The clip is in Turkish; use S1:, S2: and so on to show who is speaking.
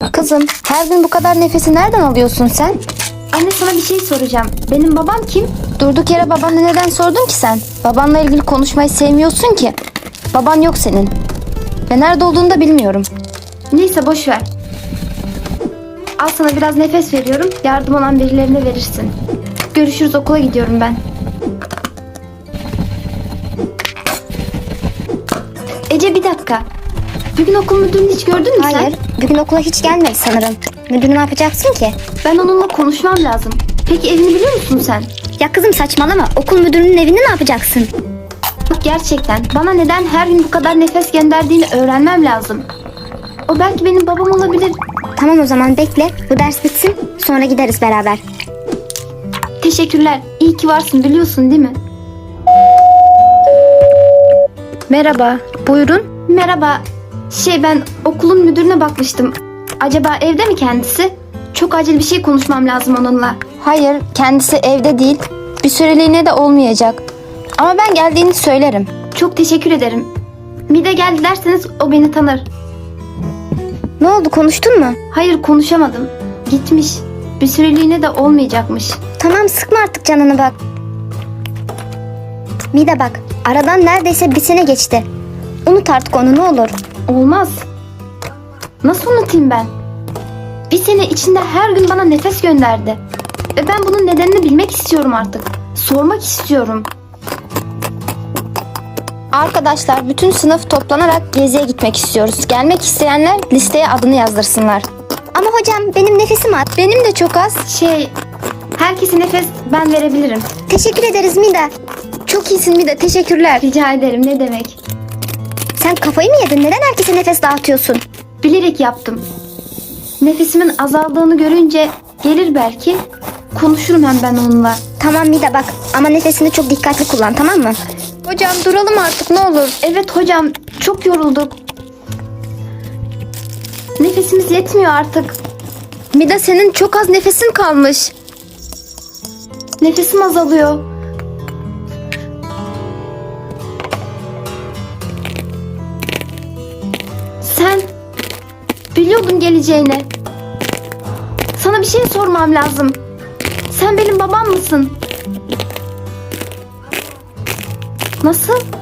S1: Kızım, her gün bu kadar nefesi nereden alıyorsun sen?
S2: Anne, sana bir şey soracağım. Benim babam kim?
S1: Durduk yere babanla neden sordun ki sen? Babanla ilgili konuşmayı sevmiyorsun ki. Baban yok senin. Ve nerede olduğunu da bilmiyorum.
S2: Neyse, boş ver. Al sana biraz nefes veriyorum. Yardım olan birilerine verirsin. Görüşürüz, okula gidiyorum ben. Ece, bir dakika. Bugün okul müdürünü hiç gördün mü sen?
S1: Hayır, bugün okula hiç gelmedi sanırım. Müdür ne yapacaksın ki?
S2: Ben onunla konuşmam lazım. Peki evini biliyor musun sen?
S1: Ya kızım saçmalama. Okul müdürünün evini ne yapacaksın?
S2: Bak, gerçekten bana neden her gün bu kadar nefes gönderdiğini öğrenmem lazım. O belki benim babam olabilir.
S1: Tamam, o zaman bekle. Bu ders bitsin. Sonra gideriz beraber.
S2: Teşekkürler. İyi ki varsın, biliyorsun değil mi?
S1: Merhaba, buyurun.
S2: Merhaba. Ben okulun müdürüne bakmıştım. Acaba evde mi kendisi? Çok acil bir şey konuşmam lazım onunla.
S1: Hayır, kendisi evde değil. Bir süreliğine de olmayacak. Ama ben geldiğini söylerim.
S2: Çok teşekkür ederim. Mide geldi derseniz o beni tanır.
S1: Ne oldu, konuştun mu?
S2: Hayır, konuşamadım. Gitmiş. Bir süreliğine de olmayacakmış.
S1: Tamam, sıkma artık canını bak. Mida bak, aradan neredeyse bir sene geçti. Unut artık onu, ne olur.
S2: Olmaz. Nasıl unutayım ben? Bir sene içinde her gün bana nefes gönderdi. Ve ben bunun nedenini bilmek istiyorum artık. Sormak istiyorum.
S1: Arkadaşlar, bütün sınıf toplanarak geziye gitmek istiyoruz. Gelmek isteyenler listeye adını yazdırsınlar. Ama hocam, benim nefesim az. Benim de çok az.
S2: Herkese nefes ben verebilirim.
S1: Teşekkür ederiz Mida. Çok iyisin Mida, teşekkürler.
S2: Rica ederim, ne demek.
S1: Sen kafayı mı yedin? Neden herkese nefes dağıtıyorsun?
S2: Bilerek yaptım. Nefesimin azaldığını görünce gelir belki. Konuşurum hem ben onunla.
S1: Tamam Mida bak, ama nefesini çok dikkatli kullan, tamam mı? Hocam duralım artık, ne olur.
S2: Evet hocam, çok yorulduk. Nefesimiz yetmiyor artık.
S1: Mida, senin çok az nefesin kalmış.
S2: Nefesim azalıyor. Sen biliyordun geleceğini. Sana bir şey sormam lazım. Sen benim babam mısın? Nasıl?